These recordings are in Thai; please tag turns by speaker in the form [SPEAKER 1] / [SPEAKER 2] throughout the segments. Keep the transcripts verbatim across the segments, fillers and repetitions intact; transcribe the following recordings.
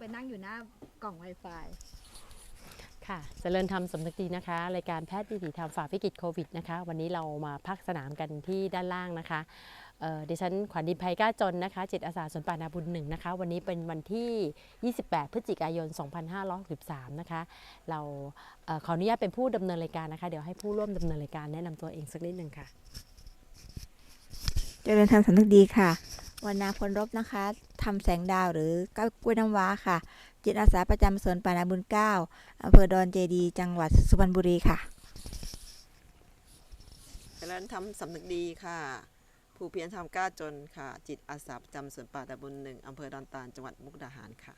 [SPEAKER 1] ไปนั่งอยู่หน้ากล่อง Wi-Fi
[SPEAKER 2] ค่ะเจริญธรรมสำนึกดีนะคะรายการแพทย์วิถีธรรมฝ่าวิกฤตโควิดนะคะวันนี้เรามาพักสนามกันที่ด้านล่างนะคะเอ่อดิฉันขวัญดินภัยกล้าจนนะคะจิตอาสาสวนป่านาบุญหนึ่งนะคะวันนี้เป็นวันที่ยี่สิบแปดพฤศจิกายนสองพันห้าร้อยหกสิบสามนะคะเราเอ่อขออนุญาตเป็นผู้ดำเนินรายการนะคะเดี๋ยวให้ผู้ร่วมดำเนินรายการแนะนำตัวเองสักนิดหนึ่งค่ะ
[SPEAKER 3] เจริญธรรมสำนึกดีค่ะวันนาพลรบนะคะทำแสงดาวหรือก้าวกล้วยน้ำว้าค่ะจิตอาสาประจำสวนป่านาบุญเก้าอำเภอดอนเจดีจังหวัดสุพรรณบุรีค่ะ
[SPEAKER 4] เจริญธรรมสำนึกดีค่ะผู้เพียรทำกล้าจนค่ะจิตอาสาประจำสวนป่าตะบุญหนึ่งอำเภอดอนตาลจังหวัดมุกดาหารค่ะ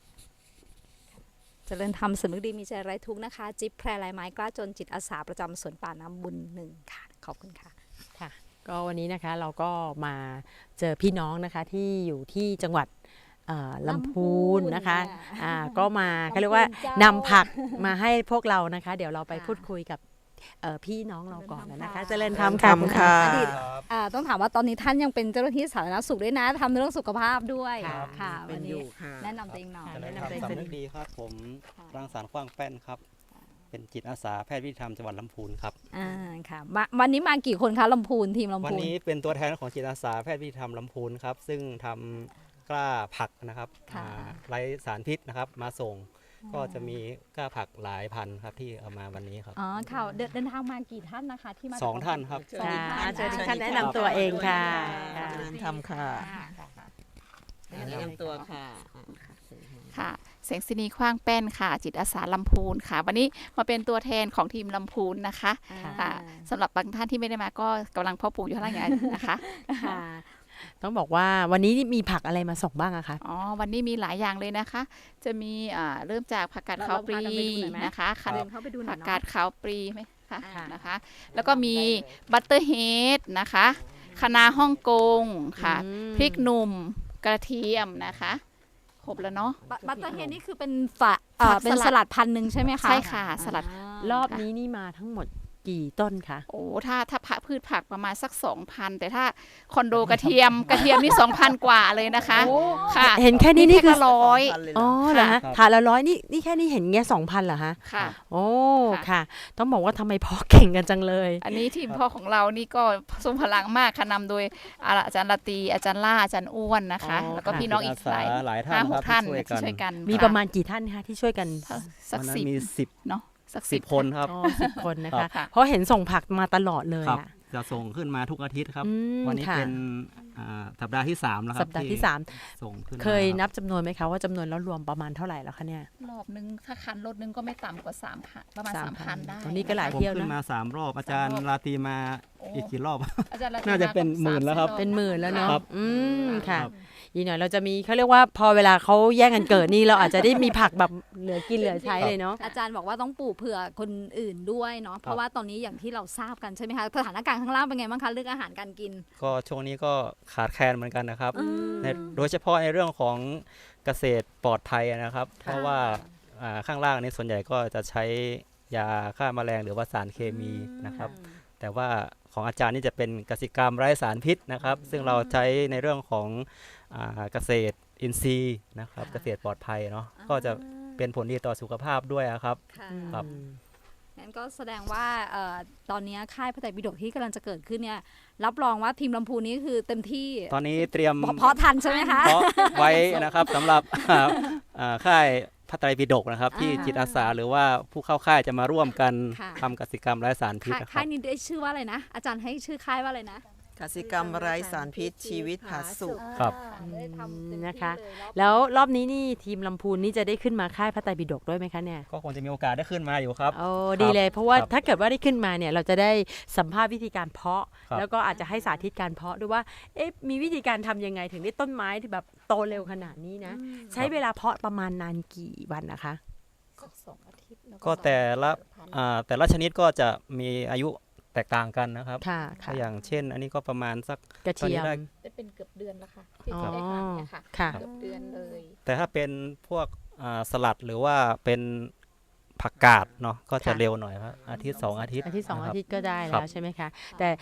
[SPEAKER 1] เจริญธรรมสำนึกดีมีใจไร้ทุกข์นะคะจิ๊บแพรลายไม้กล้าจนจิตอาสาประจำสวนป่าน้ำบุญหนึ่งค่ะขอบคุณค่ะ
[SPEAKER 2] ค่ะก็วันนี้นะคะเราก็มาเจอพี่น้องนะคะที่อยู่ที่จังหวัดลำพูนนะคะอ่าก็มาเขาเรียกว่านำผักมาให้พวกเรานะคะเดี๋ยวเราไปพูดคุยกับพี่น้องเราก่อนนะคะเจริญธรรม
[SPEAKER 4] ค่ะ
[SPEAKER 1] ต้องถามว่าตอนนี้ท่านยังเป็นเจ้าหน้าที่สาธารณสุขด้วยนะทำเรื่องสุขภาพด้วยค่ะวันนี้แนะนำตัวเองหน่อย
[SPEAKER 5] แนะนำตัวเองสำนึกดีครับผมรังสรรค์ขว้างแป้นครับเป็นจิตอาสาแพทย์วิถีธรรมจังหวัดลำพูนครับ
[SPEAKER 1] อ่าค่ะวันนี้มากี่คนคะลำพูนทีมลำพูน
[SPEAKER 5] วันนี้เป็นตัวแทนของจิตอาสาแพทย์วิถีธรรมลำพูนครับซึ่งทำกล้าผักนะครับไร้สารพิษนะครับมาส่งก็จะมีกล้าผักหลายพันครับที่เอามาวันนี้ครับ
[SPEAKER 1] อ๋อค่ะเดินทางมากี่ท่านนะคะที่มา
[SPEAKER 5] สองท่านครับ
[SPEAKER 2] สองท่านแนะนำตัวเองค่ะ
[SPEAKER 4] เจริญธรรมค่ะแนะนำตัวค่ะ
[SPEAKER 6] ค่ะแสงสินีขว้างแป้นค่ะจิตอาสาลำพูนค่ะวันนี้มาเป็นตัวแทนของทีมลำพูนนะคะค่ะสำหรับบางท่านที่ไม่ได้มาก็กำลังเพาะปลูกอยู่ข้างล่างนะคะ
[SPEAKER 2] ค่ะต้องบอกว่าวันนี้มีผักอะไรมาส่งบ้างอะคะ
[SPEAKER 6] อ๋อวันนี้มีหลายอย่างเลยนะคะจะมีเริ่มจากผักกาดขาวปลีนะคะผักกาดขาวปลีไหมคะนะคะแล้วก็มีบัตเตอร์เฮดนะคะคะน้าฮ่องกงค่ะพริกหนุ่มกระเทียมนะคะครบแล้วเนาะ
[SPEAKER 1] บัตเตอร์เฮดนี่คือเป็นฝะเป็นสลัดพันหนึ่งใช่ไหมคะ
[SPEAKER 6] ใช่ค่ะสลัด
[SPEAKER 2] รอบนี้นี่มาทั้งหมดกี่ต้นคะ
[SPEAKER 6] โอ้ถ้าถ้าพืชผักประมาณสัก สองพัน แต่ถ้าคอนโดกระเทียมกระเทียมนี่ สองพัน กว่าเลยนะคะ
[SPEAKER 2] ค่ะเห็นแค่นี้นี่คือ
[SPEAKER 6] ร้อย
[SPEAKER 2] อ๋อเหรอฮะถาดละร้อยนี่นี่แค่นี้เห็นเงี้ย สองพัน เหรอฮะ
[SPEAKER 6] ค่ะ
[SPEAKER 2] โอ้ค่ะต้องบอกว่าทำไมพ่อเก่งกันจังเลย
[SPEAKER 6] อันนี้ทีมพ่อของเรานี่ก็ทรงพลังมากค่ะนำโดยอาจารย์ละตีอาจารย์ล่าอาจารย์อ้วนนะคะแล้วก็พี่น้องอีกหลายห้าหกท่านที่ช่วยกัน
[SPEAKER 2] มีประมาณกี่ท่านคะที่ช่วยกัน
[SPEAKER 6] สักสิบ
[SPEAKER 5] มีสิบ
[SPEAKER 6] เนาะ
[SPEAKER 5] สักสิบคนครับ
[SPEAKER 2] สิบคนนะคะเพราะเห็นส่งผักมาตลอดเลย
[SPEAKER 5] อะจะส่งขึ้นมาทุกอาทิตย์ครับวันนี้เป็นสัปดาห์ที่สามแล้วครับ
[SPEAKER 2] สัปดาห์ที่สาม
[SPEAKER 5] ส่งขึ้น
[SPEAKER 2] เคยนับจำนวนไหมคะว่าจำนวนแล้วรวมประมาณเท่าไหร่แล้วคะเนี่ย
[SPEAKER 6] รอบนึงถ้าคันรถนึงก็ไม่ต่ำกว่าสามพันประมาณสามพันได้
[SPEAKER 2] ตอนนี้ก็หลายเที่ยวนะ
[SPEAKER 5] ขึ้นมาสามรอบอาจารย์ราตรีมาอีกกี่รอบน่าจะเป็นหมื่นแล้วครับ
[SPEAKER 2] เป็นหมื่นแล้วเนาะอืมค่ะอีกหน่อยเราจะมีเขาเรียกว่าพอเวลาเขาแย่งกันเกิดนี่เราอาจจะได้มีผักแบบเหลือกินเหลือใช้เลยเนาะ
[SPEAKER 1] อาจารย์บอกว่าต้องปลูกเผื่อคนอื่นด้วยเนาะเพราะว่าตอนนี้อย่างที่เราทราบกันใช่ไหมคะสถานการณ์ข้างล่างเป็นไงบ้างคะเรื่องอาหารการกิน
[SPEAKER 5] ก็ช่วงนี้ก็ขาดแคลนเหมือนกันนะครับโดยเฉพาะในเรื่องของเกษตรปลอดภัยนะครับเพราะว่าข้างล่างนี้ส่วนใหญ่ก็จะใช้ยาฆ่าแมลงหรือว่าสารเคมีนะครับแต่ว่าของอาจารย์นี่จะเป็นกสิกรรมไร้สารพิษนะครับซึ่งเราใช้ในเรื่องของเกษตรอินทรีย์นะครับเกษตรปลอดภัยเนาะก็จะเป็นผลดีต่อสุขภาพด้วยครับครับ
[SPEAKER 1] งั้นก็แสดงว่าตอนนี้ค่ายพระไตรปิฎกที่กำลังจะเกิดขึ้นเนี่ยรับรองว่าทีมลำพูนนี้คือเต็มที่
[SPEAKER 5] ตอนนี้เตรียม
[SPEAKER 1] เพาะทันใช่ไหมคะ
[SPEAKER 5] เพาะไว้นะครับสำหรับค่ายพระไตรปิฎกนะครับที่จิตอาสาหรือว่าผู้เข้าค่ายจะมาร่วมกันทำกสิกรรมไร้สารพิษ
[SPEAKER 1] ค่ายนี้ได้ชื่อว่าอะไรนะอาจารย์ให้ชื่อค่ายว่าอะไรนะ
[SPEAKER 4] กสิกรรมไร้สารพิษชีวิตผาสุก
[SPEAKER 5] ครับ
[SPEAKER 2] นะคะแล้วรอบนี้นี่ทีมลำพูนนี่จะได้ขึ้นมาค่ายพระไตรปิฎกด้วยไหมคะเนี่ย
[SPEAKER 5] ก็คงจะมีโอกาสได้ขึ้นมาอยู่ครับ
[SPEAKER 2] โอ้ดีเลยเพราะว่าถ้าเกิดว่าได้ขึ้นมาเนี่ยเราจะได้สัมภาษณ์วิธีการเพาะแล้วก็อาจจะให้สาธิตการเพาะด้วยว่าเอ๊ะมีวิธีการทำยังไงถึงได้ต้นไม้ที่แบบโตเร็วขนาดนี้นะใช้เวลาเพาะประมาณนานกี่วันนะคะ
[SPEAKER 5] ก็แต่ละแต่ละชนิดก็จะมีอายุแตกต่างกันนะครับอย่างเช่นอันนี้ก็ประมาณสัก
[SPEAKER 2] กระเทียม
[SPEAKER 6] ได้เป็นเกือบเดือนแล้วค่ะที่จะได้ทานเนี่ยค่ะเกือบเดือนเลย
[SPEAKER 5] แต่ถ้าเป็นพวกสลัดหรือว่าเป็นผักกาดเนาะก็จะเร็วหน่อยครับอาทิตย์สองอาทิตย์
[SPEAKER 2] อาทิตย์สองอาทิตย์ก็ได้แล้วใช่ไหมคะแต่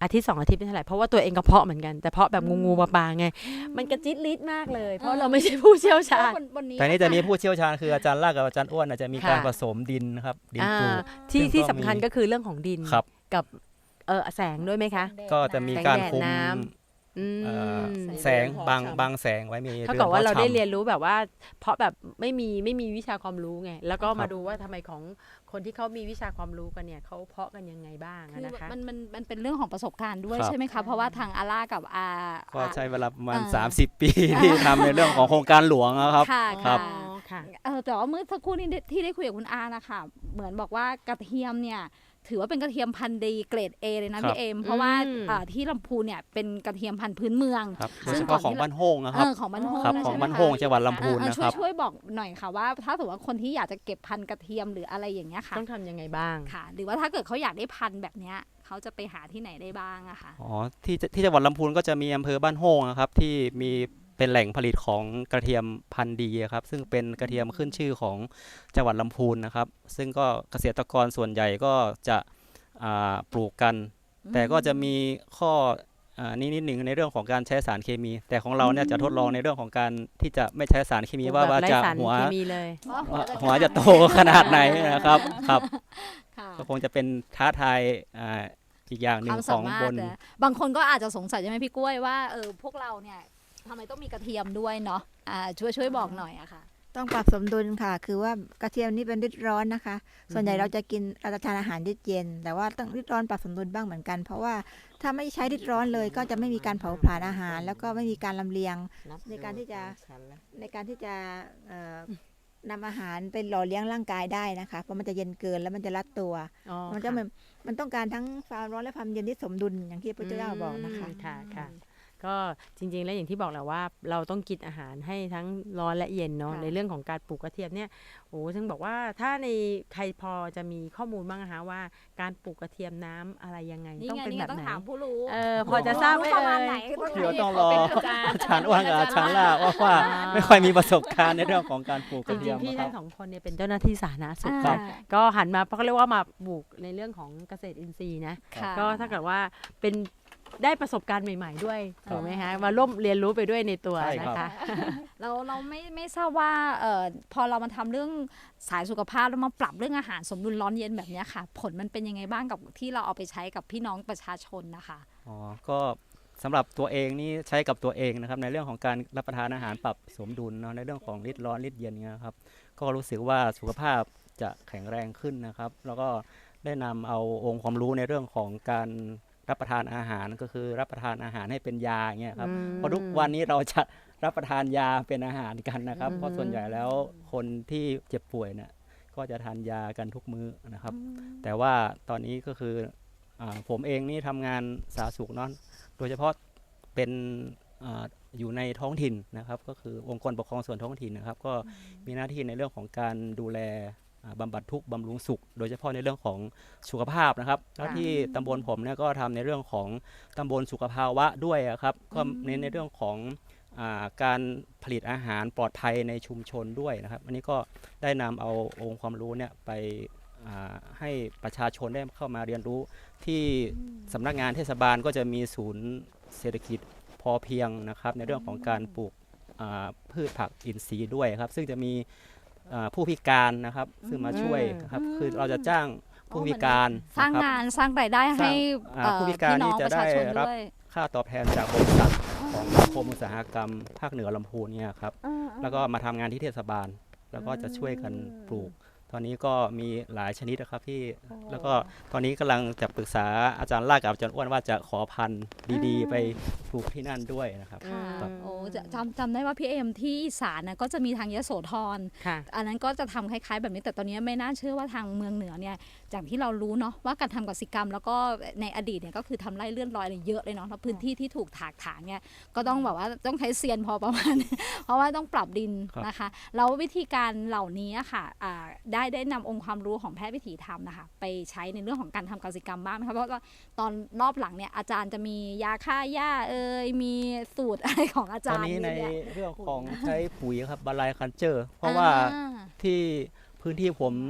[SPEAKER 2] อาทิตย์สองอาทิตย์ไม่เท่าไหร่เพราะว่าตัวเองก็เพาะเหมือนกันแต่เพาะแบบงูงูปลาปลาไงมันกระจิตลิดมากเลยเพราะเราไม่ใช่ผู้เชี่ยวชาญ
[SPEAKER 1] วันนี้
[SPEAKER 5] แต่นี้จะมีผู้เชี่ยวชาญคืออาจารย์ลากกับอาจารย์อ้วนอาจจะมีการ
[SPEAKER 2] ค่ะ
[SPEAKER 5] ผสมดินนะครับดิน
[SPEAKER 2] อ่า
[SPEAKER 5] ปู
[SPEAKER 2] ที่
[SPEAKER 5] ซึ่ง
[SPEAKER 2] ที่
[SPEAKER 5] ก็
[SPEAKER 2] สำคัญ
[SPEAKER 5] มี
[SPEAKER 2] ก็คือเรื่องของดิน
[SPEAKER 5] ครับ
[SPEAKER 2] กับเออแสงด้วยไหมคะ
[SPEAKER 5] ก็จะมีการ
[SPEAKER 2] แสงแดด
[SPEAKER 5] คุม
[SPEAKER 2] น้ำ อืม
[SPEAKER 5] เอ่อแสงบางบางแสงไว้มี
[SPEAKER 2] เท่ากับว่า
[SPEAKER 5] พะ
[SPEAKER 2] เราได้
[SPEAKER 5] ชำ
[SPEAKER 2] เรียนรู้แบบว่า เพราะแบบไม่มีไม่มีวิชาความรู้ไงแล้วก็
[SPEAKER 5] ครั
[SPEAKER 2] มา
[SPEAKER 5] บ
[SPEAKER 2] ดูว่าทำไมของคนที่เขามีวิชาความรู้กันเนี่ยเขาเพาะกันยังไงบ้าง
[SPEAKER 1] คื
[SPEAKER 2] อะ
[SPEAKER 1] อ
[SPEAKER 2] นะคะ
[SPEAKER 1] มันมันมันเป็นเรื่องของประสบการณ์ด้วย
[SPEAKER 5] ครับ
[SPEAKER 1] ใช่ไหมคะเพราะว่าทางอาร่ากับอา
[SPEAKER 5] ก็ใช้เวลาประมาณ
[SPEAKER 1] อ่า
[SPEAKER 5] สามสิบ ปี ที่ทำในเรื่องของโครงการหลวงนะครับ
[SPEAKER 1] ค่ะ
[SPEAKER 5] ครั
[SPEAKER 1] ค่ะ
[SPEAKER 5] บ
[SPEAKER 2] อ๋อค่ะ
[SPEAKER 1] เออแต่ว่าเมื่อสักครู่นี้ที่ได้คุยกับคุณอานะคะเหมือนบอกว่ากระเทียมเนี่ยถือว่าเป็นกระเทียมพันธุ์ดีเกรด A เลยนะครับ พี่เอมเพราะว่า
[SPEAKER 2] อืม
[SPEAKER 1] อ่าที่ลำพูนเนี่ยเป็นกระเทียมพันธุ์พื้นเมือง
[SPEAKER 5] ครับโด
[SPEAKER 1] ซึ่
[SPEAKER 5] ย
[SPEAKER 1] ง
[SPEAKER 5] เฉ
[SPEAKER 1] ก่อ
[SPEAKER 5] พาะ
[SPEAKER 1] น
[SPEAKER 5] ของ
[SPEAKER 1] ที่
[SPEAKER 5] บ้านโฮงนะค
[SPEAKER 1] เอ
[SPEAKER 5] รับ
[SPEAKER 1] อของบ้านโฮง
[SPEAKER 5] ครับ
[SPEAKER 1] นะ
[SPEAKER 5] ของ
[SPEAKER 1] ใช่ไหม
[SPEAKER 5] บ้าน
[SPEAKER 1] คะ
[SPEAKER 5] โฮงจังหวัดลำพูน
[SPEAKER 1] เออ
[SPEAKER 5] นะ
[SPEAKER 1] ช่ว
[SPEAKER 5] ค
[SPEAKER 1] ย
[SPEAKER 5] รับ
[SPEAKER 1] ช่วยบอกหน่อยค่ะว่าถ้าสมมติว่าคนที่อยากจะเก็บพันธุ์กระเทียมหรืออะไรอย่างเงี้ยค่ะ
[SPEAKER 2] ต้องทำยังไงบ้าง
[SPEAKER 1] ค่ะ หรือว่าถ้าเกิดเขาอยากได้พันธุ์แบบเนี้ยเขาจะไปหาที่ไหนได้บ้างอะค่ะ
[SPEAKER 5] อ๋อที่ที่จังหวัดลำพูนก็จะมีอำเภอบ้านโฮงนะครับที่มีเป็นแหล่งผลิตของกระเทียมพันธุ์ดีครับซึ่งเป็นกระเทียมขึ้นชื่อของจังหวัดลำพูนนะครับซึ่งก็เกษตรกรส่วนใหญ่ก็จะอ่าปลูกกัน แต่ก็จะมีข้ออ่านี้นิดหนึ่งในเรื่องของการใช้สารเคมี แต่ของเราเนี่ยจะทดลองในเรื่องของการที่จะไม่ใช้สารเคมีว่าว่า
[SPEAKER 2] แบบไร้
[SPEAKER 5] จะ
[SPEAKER 2] สาร
[SPEAKER 5] หัว
[SPEAKER 2] เคมีเลย
[SPEAKER 5] ว่าหัวจะโตขนาดไหนนะครับครับ
[SPEAKER 1] ค่ะ
[SPEAKER 5] ก็คงจะเป็นท้าทายอ่าอีกอย่างหนึ่
[SPEAKER 1] ค
[SPEAKER 5] ง
[SPEAKER 1] วาม
[SPEAKER 5] ข
[SPEAKER 1] สา
[SPEAKER 5] อง
[SPEAKER 1] มาร
[SPEAKER 5] บ
[SPEAKER 1] ถ
[SPEAKER 5] น
[SPEAKER 1] นะบางคนก็อาจจะสงสัยใช่ไหมพี่กล้วยว่าเออพวกเราเนี่ยทำไมต้องมีกระเทียมด้วยเนาะอ่าช่วยช่วยบอกหน่อยอะค่ะ
[SPEAKER 3] ต้องปรับสมดุลค่ะ คือว่ากระเทียมนี่เป็นฤทธิ์ร้อนนะคะ ส่วนใหญ่เราจะกินเราจะทานอาหารฤทธิ์เย็น แต่ว่าต้องฤทธิ์ร้อนปรับสมดุลบ้างเหมือนกัน เพราะว่าถ้าไม่ใช้ฤทธิ์ร้อนเลย ก็จะไม่มีการเผาผลาญอาหาร แล้วก็ไม่มีการลำเลียงในการที่จะในการที่จะเอ่อนำอาหารไปหล่อเลี้ยงร่างกายได้นะคะ เพราะมันจะเย็นเกินแล้วมันจะรัดตัว
[SPEAKER 2] อ๋อ
[SPEAKER 3] มันจะมันมันต้องการทั้งความร้อนและความเย็นที่สมดุลอย่างที่พระพุทธเจ้าบอกนะคะ
[SPEAKER 2] มค่ะค่ะ ก็จริงๆแล้วอย่างที่บอกแหละว่าเราต้องกินอาหารให้ทั้งร้อนและเย็นเนาะ
[SPEAKER 3] ค่ะ
[SPEAKER 2] ในเรื่องของการปลูกกระเทียมเนี่ยโอ้ถึงบอกว่าถ้าในใครพอจะมีข้อมูลบ้างนะคะว่าการปลูกกระเทียมน้ำอะไรยังไง
[SPEAKER 1] นี่
[SPEAKER 2] ต้อง
[SPEAKER 1] ไง
[SPEAKER 2] เป็น
[SPEAKER 1] นี่
[SPEAKER 2] แบ
[SPEAKER 1] ไง
[SPEAKER 2] บ
[SPEAKER 1] ต้อง
[SPEAKER 2] ไหน
[SPEAKER 1] ถามผู้รู้
[SPEAKER 2] เออพอจะทราบไหม
[SPEAKER 1] ประมาณ
[SPEAKER 2] เอ่ย
[SPEAKER 1] ไหน
[SPEAKER 5] เดี๋ยวต้องรออาจารย์อ้วนกับอาจารย์ล่าว่าว่าไม่ค่อยมีประสบการณ์ในเรื่องของการปลูกก
[SPEAKER 2] จ
[SPEAKER 5] ระเที
[SPEAKER 2] ริ
[SPEAKER 5] ย
[SPEAKER 2] ง
[SPEAKER 5] ม
[SPEAKER 2] ๆพี่
[SPEAKER 5] นะค
[SPEAKER 2] ทั้
[SPEAKER 5] รับ
[SPEAKER 2] งสองคนเนี่ยเป็นเจ้าหน้าที่สาธารณสุข
[SPEAKER 1] อ่า
[SPEAKER 2] ครับก็หันมาเพราะเขาเรียกว่ามาปลูกในเรื่องของเกษตรอินทรีย์นะ
[SPEAKER 1] ค่ะ
[SPEAKER 2] ก็ถ้าเกิดว่าเป็นได้ประสบการณ์ใหม่ ๆ ด้วย
[SPEAKER 5] ครับ
[SPEAKER 2] ถูกไหมคะมาร่วมเรียนรู้ไปด้วยในตัว
[SPEAKER 5] ใช่
[SPEAKER 2] นะครับ คะ
[SPEAKER 1] เราเราไม่ไม่ทราบว่าเอ่อพอเรามาทำเรื่องสายสุขภาพแล้วมาปรับเรื่องอาหารสมดุลร้อนเย็นแบบเนี้ยค่ะ ผลมันเป็นยังไงบ้างกับที่เราเอาไปใช้กับพี่น้องประชาชนนะคะ
[SPEAKER 5] อ๋อก็สำหรับตัวเองนี่ใช้กับตัวเองนะครับในเรื่องของการรับประทานอาหารปรับสมดุลเนาะในเรื่องของฤทธิ์ร้อนฤทธิ์เย็นเนี่ยครับก็รู้สึกว่าสุขภาพจะแข็งแรงขึ้นนะครับ แล้วก็ได้นำเอาองค์ความรู้ในเรื่องของการรับประทานอาหารก็คือรับประทานอาหารให้เป็นยาอย่างเงี้ยครับ
[SPEAKER 2] อืม
[SPEAKER 5] เพราะทุกวันนี้เราจะรับประทานยาเป็นอาหารกันนะครับ
[SPEAKER 2] อืม
[SPEAKER 5] เพราะส่วนใหญ่แล้วคนที่เจ็บป่วยเนี่ยก็จะทานยากันทุกมื้อนะครับ แต่ว่าตอนนี้ก็คืออาผมเองนี่ทำงานสาธารณสุขเนาะโดยเฉพาะเป็นอาอยู่ในท้องถิ่นนะครับ ก็คือองค์กรปกครองส่วนท้องถิ่นนะครับ ก็มีหน้าที่ในเรื่องของการดูแลอ่าบำบัดทุกข์บำรุงสุข โดยเฉพาะในเรื่องของสุขภาพนะครับ แล้วที่ตำบลผมเนี่ยก็ทำในเรื่องของตำบลสุขภาวะด้วยอะครับก็เน้นในเรื่องของอาการผลิตอาหารปลอดภัยในชุมชนด้วยนะครับ อันนี้ก็ได้นำเอาองค์ความรู้เนี่ยไปอ่าให้ประชาชนได้เข้ามาเรียนรู้ ที่สำนักงานเทศบาลก็จะมีศูนย์เศรษฐกิจพอเพียงนะครับในเรื่องของการปลูกอ่าพืชผักอินทรีย์ด้วยครับ ซึ่งจะมีอ่าผู้พิการนะครับ ซึ่งมาช่วยนะครับคือเราจะจ้างผู้พิการ
[SPEAKER 1] สร้าง
[SPEAKER 5] นะครับ
[SPEAKER 1] งานสร้างรายได้ให้
[SPEAKER 5] อ่า
[SPEAKER 1] เอ่อ
[SPEAKER 5] ผู้พิการ
[SPEAKER 1] พี่น้อง
[SPEAKER 5] นี่จะ
[SPEAKER 1] ประชาชน
[SPEAKER 5] ได้รับ
[SPEAKER 1] ด้วย
[SPEAKER 5] ค่าตอบแทนจากบริษัทของนิคมอุตสาหกรรมภาคเหนือลำพูนเนี่ยครับแล้วก็มาทำงานที่เทศบาล แล้วก็จะช่วยกันปลูก ตอนนี้ก็มีหลายชนิดนะครับที่แล้วก็ตอนนี้กำลังจะปรึกษาอาจารย์ลากกับอาจารย์อ้วนว่าจะขอพันธุ์ดีๆ ไปปลูกที่นั่นด้วยนะครับ
[SPEAKER 1] ค่ะ
[SPEAKER 5] ครับ
[SPEAKER 1] โอ้จะจำจำได้ว่าพี่เอ็มที่อีสานนะก็จะมีทางยโสธร
[SPEAKER 2] ค่ะ
[SPEAKER 1] อันนั้นก็จะทำคล้ายๆแบบนี้แต่ตอนนี้ไม่น่าเชื่อว่าทางเมืองเหนือเนี่ยจากที่เรารู้เนาะว่าการทำกสิกรรม แล้วก็ในอดีตเนี่ยก็คือทำไร่เลื่อนลอยอะไรเยอะเลยเนาะแล้วพื้นที่ที่ถูกถากถางเนี่ยก็ต้องแบบว่าต้องใช้เซียนพอประมาณ เพราะว่าต้องปรับดิน
[SPEAKER 5] ครับ
[SPEAKER 1] นะคะแล้ววิธีการเหล่านี้อะค่ะอ่าได้ได้นำองค์ความรู้ของแพทย์วิถีธรรมนะคะไปใช้ในเรื่องของการทำกสิกรรมบ้างไหมคะเพราะว่าตอนรอบหลังเนี่ยอาจารย์จะมียาฆ่าหญ้าเอ่ยมีสูตรอะไรของอา
[SPEAKER 5] ต
[SPEAKER 1] จา
[SPEAKER 5] อน
[SPEAKER 1] รย์
[SPEAKER 5] นี้ใน
[SPEAKER 1] เยอะแยะ
[SPEAKER 5] เรื่องของใช้ปุ๋ยครับบาลายคันเจอร์ เพราะว่า
[SPEAKER 1] อ่า
[SPEAKER 5] ที่พื้นที่ผม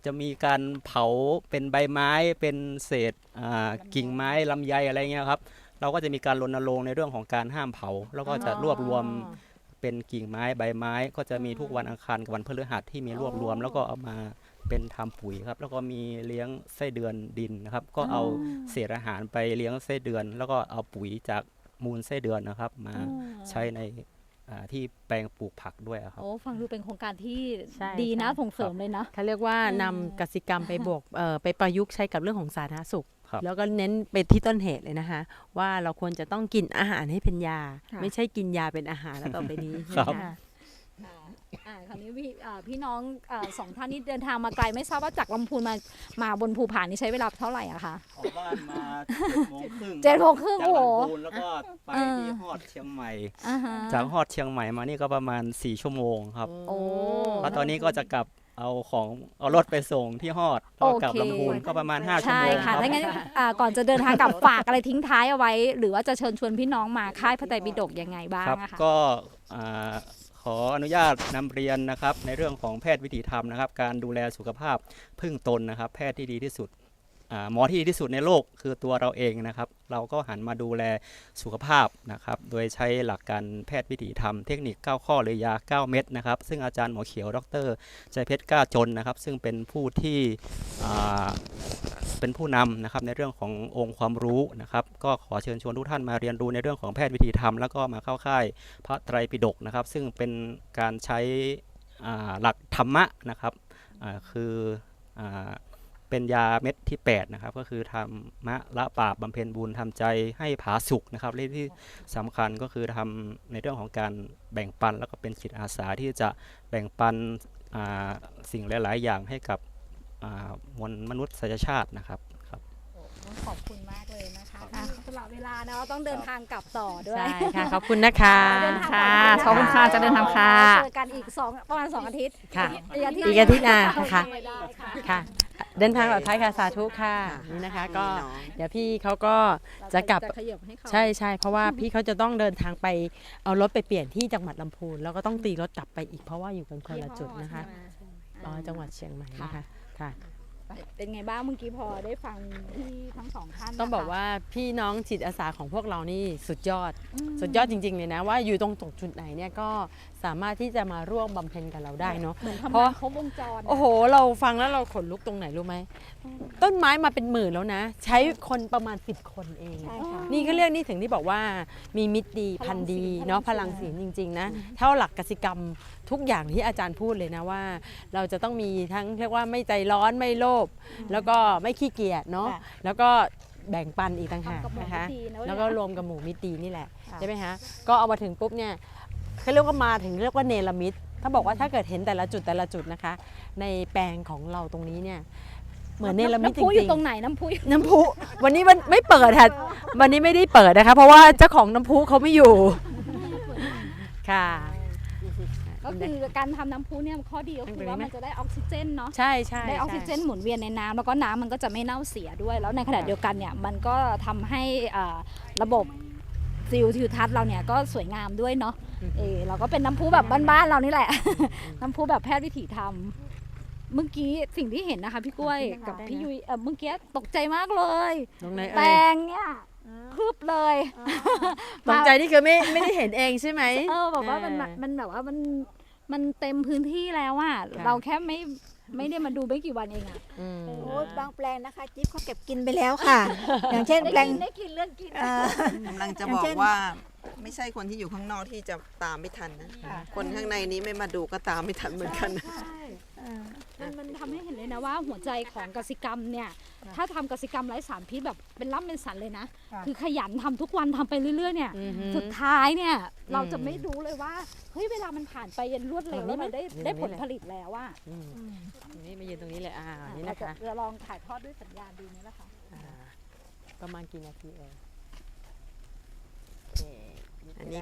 [SPEAKER 5] จะมีการเผาเป็นใบไม้เป็นเศษอ่ากิ่งไม้ลำไยอะไรเงี้ยครับเราก็จะมีการรณรงค์ในเรื่องของการห้ามเผาแล้วก็จะรวบรวมเป็นกิ่งไม้ใบไม้ก็จะมีทุกวันอังคารกับวันพฤหัสที่มีรวบรวม แล้วก็เอามาเป็นทำปุ๋ยครับแล้วก็มีเลี้ยงไส้เดือนดินนะครับก็เอาเศษอาหารไปเลี้ยงไส้เดือน แล้วก็เอาปุ๋ยจากมูลไส้เดือนนะครับมาใช้ในอ่าที่แปลงปลูกผักด้วยครับ
[SPEAKER 1] โอ้ฟังดูเป็นโครงการที่
[SPEAKER 2] ใช่
[SPEAKER 1] ดีนะ
[SPEAKER 2] ใช่
[SPEAKER 1] ส่งเสริมเลยนะ
[SPEAKER 2] เขาเรียกว่านำกสิกรรมไปบวกเอ่อไปประยุกต์ใช้กับเรื่องของสาธารณสุข
[SPEAKER 5] ครับ
[SPEAKER 2] แล้วก็เน้นไปที่ต้นเหตุเลยนะคะ ว่าเราควรจะต้องกินอาหารให้เป็นยา
[SPEAKER 3] ค่ะ
[SPEAKER 2] ไม่ใช่กินยาเป็นอาหารแล้วต่อไปนี้
[SPEAKER 5] ครับ
[SPEAKER 2] นะคะ
[SPEAKER 1] อ่าคราวนี้พี่อ่าพี่น้องอ่าสองท่านนี้เดินทางมาไกลไม่ทราบว่าจากลำพูนมามาบนภูผานี่ใช้เวลาเท่าไหร่อะคะ
[SPEAKER 5] ออกบ้านมาเจ็ดโมงครึ่ง
[SPEAKER 1] เจ็ดโมงครึ่ง
[SPEAKER 5] จาก
[SPEAKER 1] โอ้โห
[SPEAKER 5] ลำพูนแล้วก็ไป
[SPEAKER 1] เออ
[SPEAKER 5] ที่ฮอดเชียงใหม่
[SPEAKER 1] อ่าฮะ
[SPEAKER 5] จากฮอดเชียงใหม่มานี่ก็ประมาณสี่ชั่วโมงครับ
[SPEAKER 1] โอ้
[SPEAKER 5] แล้วตอนนี้ก็จะกลับเอาของเอารถไปส่งที่ฮอดแล้วก็กลับ
[SPEAKER 1] โอเค
[SPEAKER 5] ลำพูนก็ประมาณห้าชั่ว
[SPEAKER 1] ใช่
[SPEAKER 5] โมงค
[SPEAKER 1] ค่ะ
[SPEAKER 5] รับ
[SPEAKER 1] ถ้างั้นอ่าก่อนจะเดินทางกลับฝากอะไรทิ้งท้ายเอาไว้ หรือว่าจะเชิญชวนพี่น้องมาค่ายพระไตรปิฎกยังไงบ้าง
[SPEAKER 5] ครับ
[SPEAKER 1] อะคะ
[SPEAKER 5] ก็อ่าขออนุญาตนำเรียนนะครับในเรื่องของแพทย์วิถีธรรมนะครับ การดูแลสุขภาพพึ่งตนนะครับ แพทย์ที่ดีที่สุดอ่าหมอที่ดีที่สุดในโลกคือตัวเราเองนะครับ เราก็หันมาดูแลสุขภาพนะครับ โดยใช้หลักการแพทย์วิถีธรรมเทคนิคเก้าข้อหรือยาเก้าเม็ดนะครับ ซึ่งอาจารย์หมอเขียวดรใจเพชรกล้าจนนะครับ ซึ่งเป็นผู้ที่อ่าเป็นผู้นำนะครับในเรื่องขององค์ความรู้นะครับ ก็ขอเชิญชวนทุกท่านมาเรียนรู้ในเรื่องของแพทย์วิถีธรรมแล้วก็มาเข้าค่ายพระไตรปิฎกนะครับ ซึ่งเป็นการใช้อ่าหลักธรรมะนะครับอ่าคืออ่าเป็นยาเม็ดที่แปดนะครับก็คือธรรมะละบาปบำเพ็ญบุญทำใจให้ผาสุกนะครับและที่สำคัญก็คือทำในเรื่องของการแบ่งปันแล้วก็เป็นจิตอาสาที่จะแบ่งปันอ่าสิ่งหลาย ๆ อย่างให้กับอ่ามวลมนุษยชาตินะครับครับ
[SPEAKER 1] ขอบคุณมากเลยนะคะสำหรับเวลาเนาะต้องเดินทางกลับต่อด้วย
[SPEAKER 2] ใช่ค่ะ ขอบคุณนะคะ
[SPEAKER 1] เดินทาง
[SPEAKER 6] ค่ะ
[SPEAKER 1] ต่
[SPEAKER 6] ขอบคุณค่ะจะเดินทางค่ะ
[SPEAKER 1] เจอกันอีกสองประมาณสองอาทิตย์
[SPEAKER 2] ค่ะ
[SPEAKER 1] อีกอาทิตย์
[SPEAKER 2] อีกอาทิตย์หน้าค่ะ
[SPEAKER 1] ได้ค่ะ
[SPEAKER 2] ค่ะ เดินทางปลอดภัยค่ะสาธุค่ะ
[SPEAKER 4] ค่ะ
[SPEAKER 2] นี่นะคะ
[SPEAKER 4] พี่
[SPEAKER 2] ก็
[SPEAKER 4] น้อง
[SPEAKER 2] เดี๋ยวพี่เขาก็จะกลับ
[SPEAKER 1] ขยับให้เขา
[SPEAKER 2] ใช่ใช่เพราะว่าพี่เขาจะต้องเดินทางไปเอารถไปเปลี่ยนที่จังหวัดลำพูนแล้วก็ต้องตีรถกลับไปอีกเพราะว่าอยู่กันคนละจุดนะคะอ๋อจังหวัดเชียงใหม่นะคะค่ะ
[SPEAKER 1] เป็นไงบ้างเมื่อกี้พอได้ฟังที่ทั้งสองท่าน
[SPEAKER 2] ต้องบอก
[SPEAKER 1] นะคะ
[SPEAKER 2] ว่าพี่น้องจิตอาสาของพวกเรานี่สุดยอด
[SPEAKER 1] อืม
[SPEAKER 2] สุดยอดจริงๆเลยนะว่าอยู่ตรงตรงจุดไหนเนี่ยก็สามารถที่จะมาร่วมบำเพ็ญกับเราได้เนาะ
[SPEAKER 1] เหมือนทำ
[SPEAKER 2] เพราะ
[SPEAKER 1] งานครบวงจร
[SPEAKER 2] โอ้โห เราฟังแล้วเราขนลุกตรงไหนรู้ไหมต้นไม้มาเป็นหมื่นแล้วนะ ใช้คนประมาณสิบคนเอง
[SPEAKER 3] ใช่ค่ะ
[SPEAKER 2] นี่ก็เรียกนี่ถึงที่บอกว่ามีมิตรดีพันธุ์ดีเนาะพลังศีลจริงๆนะเท่าหลักกสิกรรมทุกอย่างที่อาจารย์พูดเลยนะว่า เราจะต้องมีทั้งเรียกว่าไม่ใจร้อนไม่โลภแล้วก็ไม่ขี้เกียจเนาะ
[SPEAKER 3] ค่ะ
[SPEAKER 2] แล้วก็แบ่งปันอีกต่างหาก
[SPEAKER 1] ทำกับหมู่
[SPEAKER 2] นะคะ
[SPEAKER 1] มิตรดีนะ
[SPEAKER 2] แล้วก็รวมกับหมู่มิตรดีนี่แหละ
[SPEAKER 3] ค่ะ
[SPEAKER 2] ใช่ไหมคะก็เอามาถึงปุ๊บเนี่ยเขาเรียกว่ามาถึงเรียกว่าเนรมิตถ้าบอกว่าถ้าเกิดเห็นแต่ละจุดแต่ละจุดนะคะ ในแปลงของเราตรงนี้เนี่ยเหมือนเนรมิตจ
[SPEAKER 1] น้ำพุอ
[SPEAKER 2] ริ
[SPEAKER 1] ยู่
[SPEAKER 2] ง
[SPEAKER 1] ตรงไหนน้ำพุอยู่
[SPEAKER 2] ๆน้ำพุวันนี้มันไม่เปิดค่ะวันนี้ไม่ได้เปิดนะคะ เพราะว่าเจ้าของน้ำพุเขาไม่อยู่ค่ะ
[SPEAKER 1] ก็คือการทำน้ำพุเนี่ยข้อดีก็คือว่ามันจะได้ออกซิเจนเนาะ
[SPEAKER 2] ใช่ใช่
[SPEAKER 1] ได้ออกซิเจนหมุนเวียนในน้ำแล้วก็น้ำมันก็จะไม่เน่าเสียด้วย แล้วในขณะเดียวกันเนี่ยมันก็ทำให้อ่าระบบซิลทิวทัศน์เราเนี่ยก็สวยงามด้วยเนาะเออเราก็เป็นน้ำพุแบบบ้านๆเรานี่แหละ น้ำพุแบบแพทย์วิถีธรรมเมื่อกี้สิ่งที่เห็นนะคะพี่กล้วยกับพี่ยุ้ยเออเมื่อกี้ตกใจมากเลย
[SPEAKER 2] ตรงไหน
[SPEAKER 1] แปล
[SPEAKER 2] เอ่ย
[SPEAKER 1] งเนี่ยคืบเลย
[SPEAKER 2] ตกใจนี่คือไม่ไม่ได้เห็นเองใช่ไหม
[SPEAKER 1] เออแบบว่ามัน
[SPEAKER 2] เออ
[SPEAKER 1] มันแบบว่ามันมันเต็มพื้นที่แล้วอะ
[SPEAKER 2] ค่ะ
[SPEAKER 1] เราแค่ไม่ไม่ได้มาดูไม่กี่วันเองอะ
[SPEAKER 2] อืม
[SPEAKER 3] โอ้ยบางแปลงนะคะ จิ๊บเขาเก็บกินไปแล้วค่ะ อย่างเช่น
[SPEAKER 1] ได้
[SPEAKER 3] แปลง
[SPEAKER 1] กินได้กินเรื่องกิน
[SPEAKER 3] เอ่อก
[SPEAKER 4] ำลังจะ
[SPEAKER 3] อย่า
[SPEAKER 4] บ
[SPEAKER 3] ง
[SPEAKER 4] อ
[SPEAKER 3] เช่
[SPEAKER 4] ก
[SPEAKER 3] น
[SPEAKER 4] ว่าไม่ใช่คนที่อยู่ข้างนอกที่จะตามไม่ทันนะ
[SPEAKER 3] ค่ะ
[SPEAKER 4] คนข้างในนี้ไม่มาดูก็ตามไม่ทันเหมือนกันนะ
[SPEAKER 3] เอ่อ
[SPEAKER 1] มันมันทำให้เห็นเลยนะว่าหัวใจของกสิกรรมเนี่ย ถ้าทำกสิกรรมไร้สารพิษแบบเป็นล่ำเป็นสันเลยนะ
[SPEAKER 3] ค่ะ
[SPEAKER 1] คือขยันทำทุกวันทำไปเรื่อยๆเนี่ย
[SPEAKER 2] อือฮึ
[SPEAKER 1] สุดท้ายเนี่ย
[SPEAKER 2] อืม
[SPEAKER 1] เราจะไม่รู้เลยว่าเฮ้ยเวลามันผ่านไปยันรวดเร็วแล้วมันได้
[SPEAKER 2] อยู่ตรงนี้
[SPEAKER 1] ได้ผล
[SPEAKER 2] แหละ
[SPEAKER 1] ผลิตแล้วว่า
[SPEAKER 2] อืม
[SPEAKER 3] อืม
[SPEAKER 2] ตรงนี้มายืนตรงนี้เลยอ่านี่
[SPEAKER 1] เรา
[SPEAKER 2] นะ
[SPEAKER 1] จะ
[SPEAKER 2] คะ
[SPEAKER 1] จะลองถ่ายทอดด้วยสัญญาณดูไหมล่ะคะ
[SPEAKER 2] อ่าประมาณกี่นาทีเอ่ยโอเค
[SPEAKER 4] อันนี้